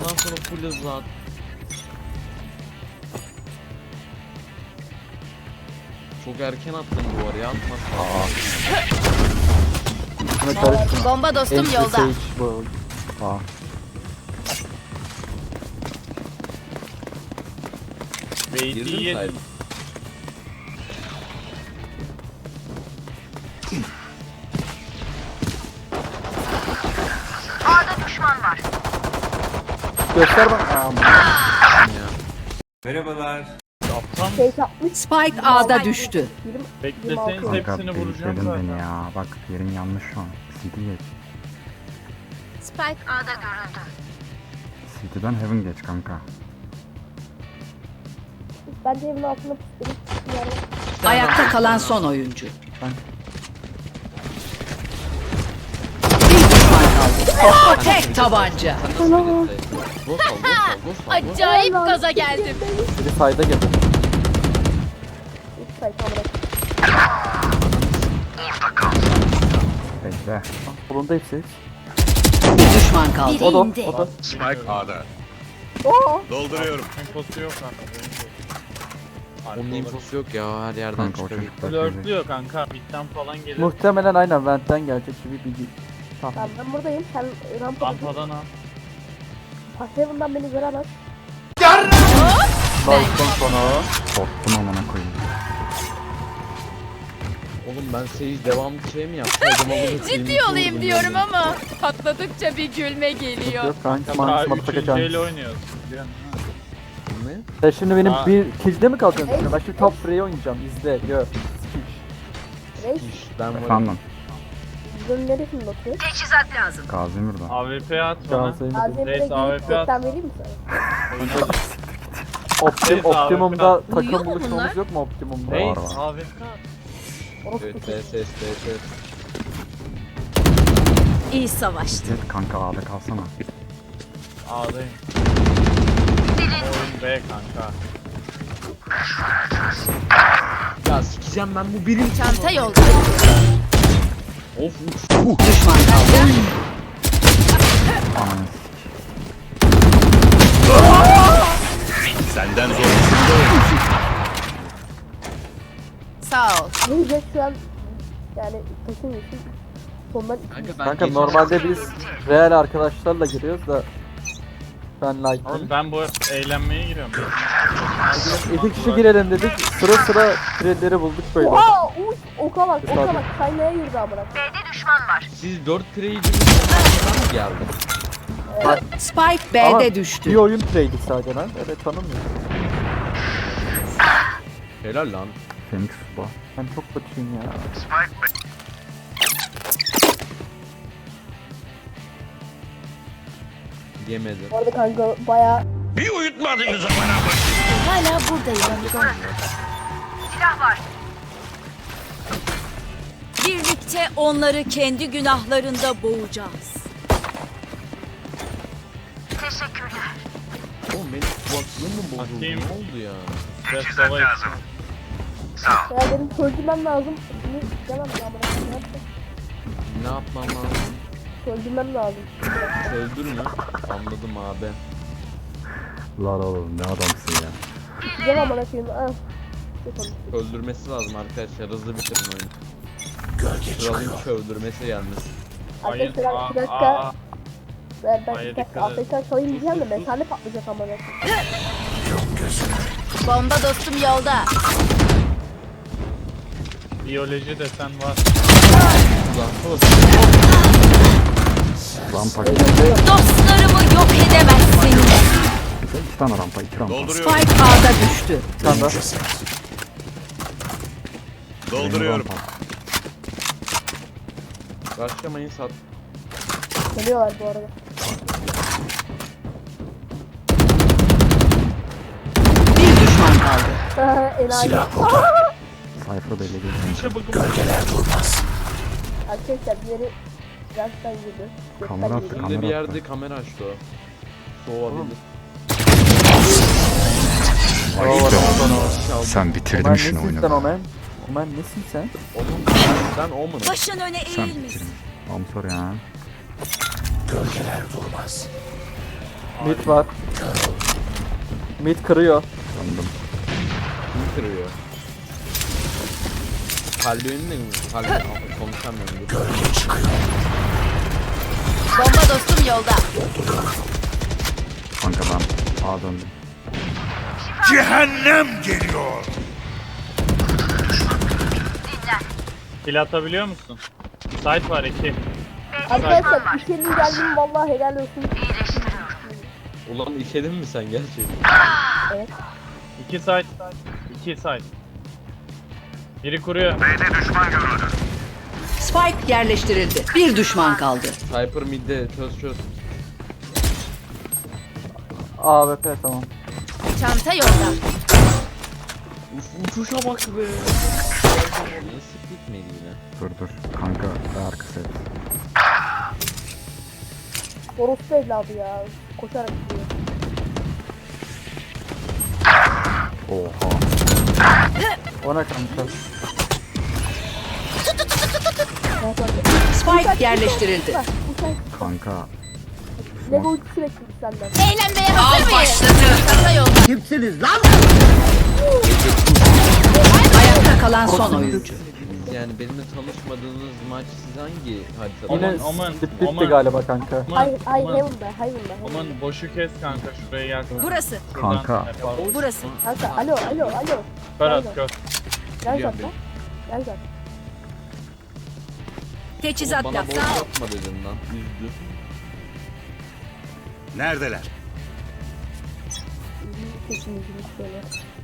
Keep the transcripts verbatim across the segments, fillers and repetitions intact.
Ondan sonra full hızlı at. Çok erken attın bu araya atma. Buna karışma. Bomba dostum Entry yolda. Sage bu. Aa. Girdin mi Beyti sahip? Göster bak. Aa, Şey yapmış. Spike A'da düştü. bekleseniz kanka hepsini vuracağım bekledin zaten. beni ya. Bak yerin yanlış şu an. C D geç. Spike A'da görüldü. C D'den Heaven geç kanka. Bence evin altına püskürüp yani. Ayakta kalan son oyuncu. Ben... Bir düşman kaldı. Tek tabanca. Sen nasıl girdin sahip? Ghost al, ghost al, ghost al, ghost al. Acayip gaza geldim. Biri sayda geldi. Üç sayfa bırak. Bekle. Kolunda hepsi. Bir düşman kaldı. O da o da. Spike A'da. Oo. Dolduruyorum. Infosu yok kanka. Onun infosu yok ya, her yerden Kanka o çıkabilir. çocuklar gelecek. Flörtlüyor kanka. Bitten falan gelir. Muhtemelen aynen Vent'ten gelecek gibi bir tahmin. Tamam ben buradayım. Sen rampada dur. Rampadan al. Pasayımdan beni göremez. Balkon sonu. Korktum amına koyayım. Oğlum ben Sage devamlı şey mi yapsaydım ama Ciddi olayım diyorum ama patladıkça bir gülme geliyor. Yok kanka Daha mantısı matı üçüncü kaçan. el oynuyoruz. Biliyorsun ha. Ne? Sen şimdi benim Aa. bir kill'de mi kalacaksın? Ben şimdi top free oynayacağım. İzle, gör. Reis. Ben varım. Efendim. Videonun neresinde oturuyor? Teçhizat lazım. Gazi burada. A W P at bana. Gazi'yi Azemire Reis, A W gidip P at. reklam vereyim mi sana? Optim, Reis, A W P Optimum'da Uyuyor takım mu buluşmamız bunlar? yok mu Optimum'da? Reis Var var. A W P at. Orospu Evet, çocuğu. S S S S. İyi savaştı. Evet kanka A'da kalsana. A'dayım. Oyun B kanka. Ya sikeceğim ben bu birim. Çanta yolda. Of uç. Düşman kaldı. Ananı Senden zor. Sağ ol. Neyse şu an yani takım için sondan iki. Kanka ben Kanka geçen- normalde biz real arkadaşlarla giriyoruz da ben like. Oğlum ben bu eğlenmeye giriyorum. İki kişi girelim dedik. Sıra sıra threadleri bulduk böyle. Oha! Uç! Oka bak, oka Tabii. bak. Kaynaya yürüdü amına. Siz dört kreyici bir mı geldi? Spike Ama B'de bir düştü. oyun trade'i sadece lan. Evet tanımıyorum. Helal lan. Phoenix bu. Ben çok kötüyüm ya. Yemedi. Bu arada kanka baya Bir uyutmadınız amına. Hala buradayım. Birlikte onları kendi günahlarında boğacağız. Oğlum benim kulaklığım mı bozuldu? Atayım. Ne oldu ya? Ve sava ya benim çözülmem lazım. Bunu istemem ya amına. Ne yapacağım? Ne yapmam lazım? Çözülmem lazım. Öldür mü? Anladım abi. Lan oğlum ne adamsın ya. Gideceğim amına koyayım. Ah. Ne konuştuk? Öldürmesi lazım arkadaşlar. Hızlı bitirin oyunu. Kralın öldürmesi yalnız. Hayır. Arkadaşlar Aa, bir dakika. aa. Ben, ben Hayır, bir dakika dikkat et. Afrika çalayım diyeceğim de Sus, sus, mesane patlayacak amına koyayım. Bomba dostum yolda. Biyoloji desen var. Rampa. Dostlarımı yok edemezsiniz. İki tane rampa, iki rampa. Dolduruyorum. Spike A'da düştü. Bir tane daha. Dolduruyorum. Başlamayın sat. Geliyorlar bu arada. Bir düşman kaldı. Enayi. Sayfa belli değil. İşe bakın. Arkadaşlar diğeri gerçekten yedi. Kamera attı, Gerçekten yedi. Önde bir Kamera yerde attı. kamera açtı o. Soğabilir. Oo, Sen Omen bitirdin şunu nesin sen oyunu. Omen? Omen nesin sen? Oğlum ben Omen'ım. Başın öne Sen eğilmesin. bitirdin. Tamam sor ya. Mid var. Mid kırıyor. Sandım. Kim kırıyor? Kalbi önünde mi? Kalbi konuşamıyorum. Dur. Bomba dostum yolda. Kanka ben A döndüm. Cehennem geliyor. Kill atabiliyor musun? Site var iki. Arkadaşlar işlerin geldiğim vallahi helal olsun. Ulan işedin mi sen gerçekten? Evet. İki site. İki site. Biri kuruyor. Spike yerleştirildi. Bir düşman kaldı. Cypher midde çöz çöz. A W P tamam. Çanta yolda. Uf, uçuşa bak be. Nasıl gitmedi yine? Dur dur. Kanka arkası et. Orospu evladı ya. Koşarak gidiyor. Oha. O ne kanka? Spike yerleştirildi. Bak bu sen Kanka. Lego ultisi bekliyoruz senden. Eğlenmeye hazır mıyız? Çanta yolda. Ayakta kalan son oyuncu. Biz yani benimle tanışmadığınız maç siz hangi haritada? Yine Aman, aman, split bitti aman. galiba kanka. Aman, Hayır hayır aman, Heaven'da Heaven'da. aman boşu kes kanka şuraya gel. Burası. Şuradan Kanka. yapalım. Burası. Kanka alo alo alo. Kör at kör. Gel Biliyorum zaten. Gel zaten. Teçhizat Bana boş lazım. yapma dedin lan. Üzdü. Neredeler? Sesimizi şöyle.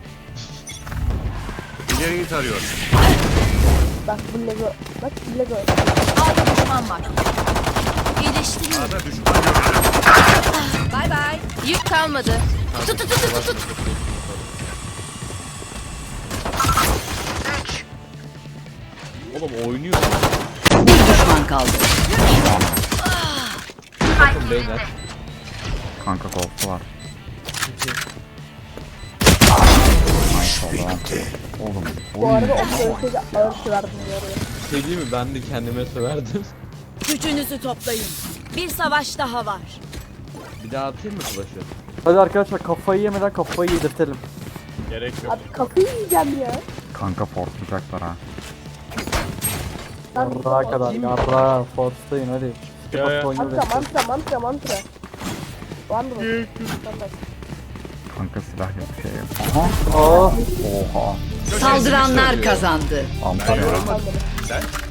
İleriyi tarıyorum. Bak bu Lego. Bak bu Lego. Altta düşman var. İyileştim. A'da düşman görüldü. Bay bay. Yük kalmadı. Tut tut tut tut tut. Oğlum oynuyor. Bir düşman kaldı. Bakın beyler. Kanka golf'u var. Nice oldu. Oğlum. Bu Oğlum. arada o ölçüde ağır verdim bu arada. Şey değil mi? Ben de kendime söverdim. Gücünüzü toplayın. Bir savaş daha var. Bir daha atayım mı flash'ı? Hadi arkadaşlar kafayı yemeden kafayı yedirtelim. Gerek yok. Abi kafayı yiyeceğim ya. Kanka fortlayacaklar ha. Lan Yarrağa kadar yarrağa. Force'dayın hadi. Ya, ya. Skip oyunu mantra bekliyoruz. mantra mantra mantra. Wonderful. Tamam. Kanka silah yok şey yok. Aha. Oh. Oha. Saldıranlar kazandı. Antalya. Wonderful. Sen?